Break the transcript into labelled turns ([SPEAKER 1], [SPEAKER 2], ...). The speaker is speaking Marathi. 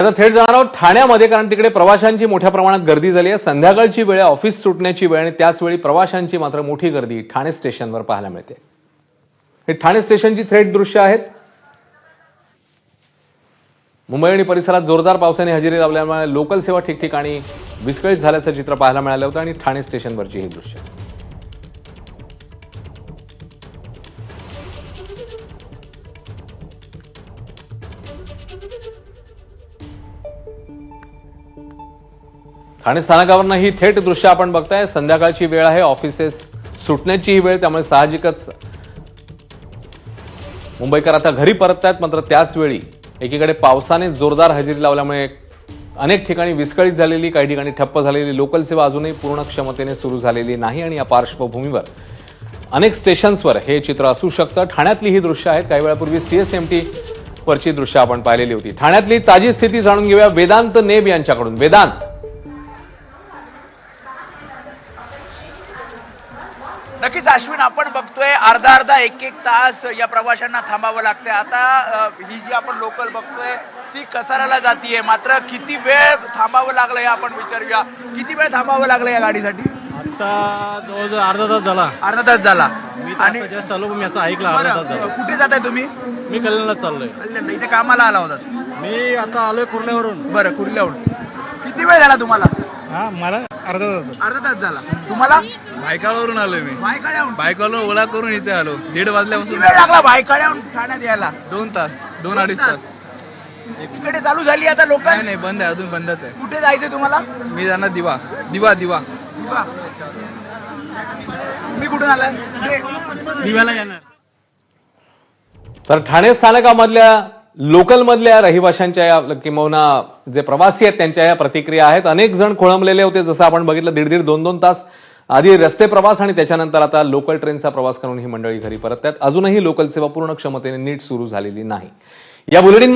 [SPEAKER 1] आता थेट जाणार आहोत ठाण्यामध्ये, कारण तिकडे प्रवाशांची मोठ्या प्रमाणात गर्दी झाली आहे. संध्याकाळची वेळ आहे, ऑफिस सुटण्याची वेळ, आणि त्याचवेळी प्रवाशांची मात्र मोठी गर्दी ठाणे स्टेशनवर पाहायला मिळते. हे ठाणे स्टेशनची थेट दृश्य आहेत. मुंबई आणि परिसरात जोरदार पावसाने हजेरी लावल्यामुळे लोकल सेवा ठिकठिकाणी विस्कळीत झाल्याचं चित्र पाहायला मिळालं होतं, आणि ठाणे स्टेशनवरची ही दृश्य. ठाणे स्थानकावरनं ही थेट दृश्य आपण बघताय. संध्याकाळची वेळ आहे, ऑफिसेस सुटण्याची ही वेळ, त्यामुळे साहजिकच मुंबईकर आता घरी परततायत. मात्र त्याच वेळी एकीकडे पावसाने जोरदार हजेरी लावल्यामुळे अनेक ठिकाणी विस्कळीत झालेली, काही ठिकाणी ठप्प झालेली लोकल सेवा अजूनही पूर्ण क्षमतेने सुरू झालेली नाही, आणि या पार्श्वभूमीवर अनेक स्टेशन्सवर हे चित्र असू शकतं. ठाण्यातली ही दृश्य आहेत. काही वेळापूर्वी सीएसएमटी वरची दृश्य आपण पाहिलेली होती. ठाण्यातली ताजी स्थिती जाणून घेऊया वेदांत नेब यांच्याकडून. वेदांत,
[SPEAKER 2] नक्कीच अश्विन, आपण बघतोय अर्धा अर्धा एक एक तास या प्रवाशांना थांबावं लागतंय. आता ही जी आपण लोकल बघतोय ती कसाराला जातीये, मात्र किती वेळ थांबावं लागलं हे आपण विचारूया. किती वेळ थांबावं लागलं या गाडीसाठी?
[SPEAKER 3] आता जवळजवळ अर्धा तास झाला.
[SPEAKER 2] अर्धा तास झाला.
[SPEAKER 3] मी
[SPEAKER 2] आणि
[SPEAKER 3] जस्ट आलो, मी असं ऐकलं अर्धा तास झाला.
[SPEAKER 2] कुठे जाताय तुम्ही?
[SPEAKER 3] मी कल्याणला चाललोय.
[SPEAKER 2] कल्याणला. इथे कामाला आला होता?
[SPEAKER 3] मी आता आलोय कुर्ल्यावरून.
[SPEAKER 2] बरं, कुर्ल्याहून. किती वेळ झाला तुम्हाला?
[SPEAKER 3] हा, मला अर्धा तास.
[SPEAKER 2] अर्धा तास झाला. तुम्हाला?
[SPEAKER 4] भायखळावरून आलोय मी.
[SPEAKER 2] भायखळ्याहून?
[SPEAKER 4] भायखळावरून ओला करून इथे आलो. 1:30
[SPEAKER 2] किती
[SPEAKER 4] वाजल्यापासून.
[SPEAKER 2] वेळ लागला भायखळ्याहून ठाण्यात यायला?
[SPEAKER 4] 2 तास, 2-2.5 तास.
[SPEAKER 2] तिकडे चालू झाली आता लोक?
[SPEAKER 4] नाही नाही, बंद आहे, अजून बंदच आहे.
[SPEAKER 2] कुठे जायचंय तुम्हाला?
[SPEAKER 4] मी जाणार दिवा दिवा दिवा.
[SPEAKER 2] मी कुठून आलाय?
[SPEAKER 3] दिव्याला येणार.
[SPEAKER 1] तर ठाणे स्थानकामधल्या लोकलमधल्या रहिवाशांच्या या किंवा जे प्रवासी आहेत त्यांच्या या प्रतिक्रिया आहेत. अनेक जण खोळंबलेले होते, जसं आपण बघितलं 1.5 2 तास आधी रस्ते प्रवास, आणि त्याच्यानंतर आता लोकल ट्रेनचा प्रवास करून ही मंडळी घरी परततात. अजूनही लोकल सेवा पूर्ण क्षमतेने नीट सुरू झालेली नाही. या बुलेटिन